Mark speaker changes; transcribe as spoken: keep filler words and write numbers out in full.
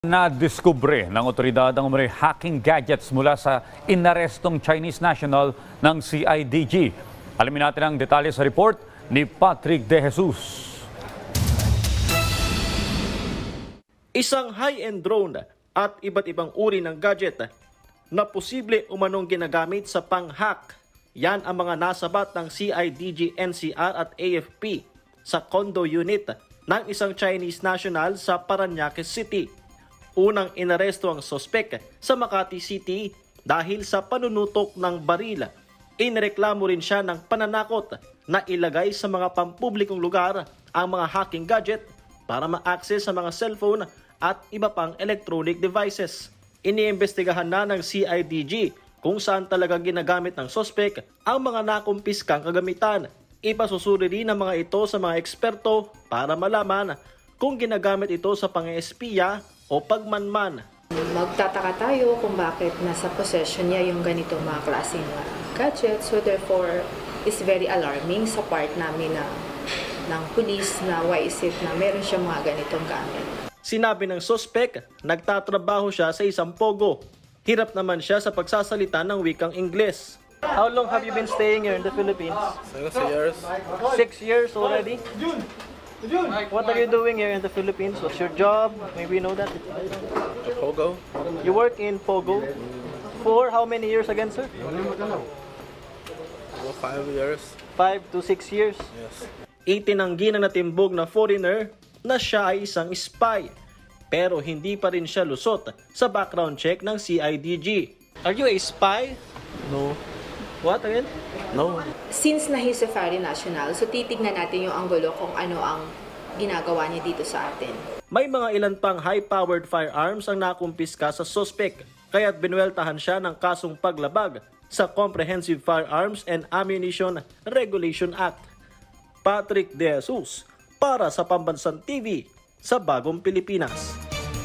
Speaker 1: Nadiskubre ng otoridad ang umano'y hacking gadgets mula sa inarestong Chinese national ng C I D G. Alamin natin ang detalye sa report ni Patrick De Jesus.
Speaker 2: Isang high-end drone at iba't ibang uri ng gadget na posible umanong ginagamit sa pang-hack. Yan ang mga nasabat ng C I D G, N C R at A F P sa condo unit ng isang Chinese national sa Parañaque City. Unang inaresto ang sospek sa Makati City dahil sa panunutok ng baril. Inireklamo rin siya ng pananakot na ilagay sa mga pampublikong lugar ang mga hacking gadget para ma-access sa mga cellphone at iba pang electronic devices. Iniimbestigahan na ng C I D G kung saan talaga ginagamit ng sospek ang mga nakumpiskang kagamitan. Ipasusuri rin ang mga ito sa mga eksperto para malaman kung ginagamit ito sa pang-espiya o pagmanman.
Speaker 3: Magtataka tayo kung bakit nasa possession niya yung ganito mga klaseng gadget. So therefore, it's very alarming sa part namin na ng police na why is it na meron siya mga ganitong gamit.
Speaker 2: Sinabi ng suspect, nagtatrabaho siya sa isang pogo. Hirap naman siya sa pagsasalita ng wikang Ingles. How long have you been staying here in the Philippines?
Speaker 4: Six years.
Speaker 2: Six years already? What are you doing here in the Philippines? What's your job? Maybe you know that.
Speaker 4: A Pogo.
Speaker 2: You work in Pogo. For how many years again, sir?
Speaker 4: Well, five years.
Speaker 2: Five to six years.
Speaker 4: Yes.
Speaker 2: Itinanggi ng natimbog na foreigner na siya ay isang spy. Pero hindi pa rin siya lusot sa background check ng C I D G. Are you a spy?
Speaker 4: No.
Speaker 2: What again?
Speaker 4: No.
Speaker 3: Since na he's a foreign national, so titignan natin yung anggulo kung ano ang ginagawa niya dito sa atin.
Speaker 2: May mga ilan pang high-powered firearms ang nakumpiska sa suspect, kaya't binueltahan siya ng kasong paglabag sa Comprehensive Firearms and Ammunition Regulation Act. Patrick De Jesus para sa Pambansang T V sa Bagong Pilipinas.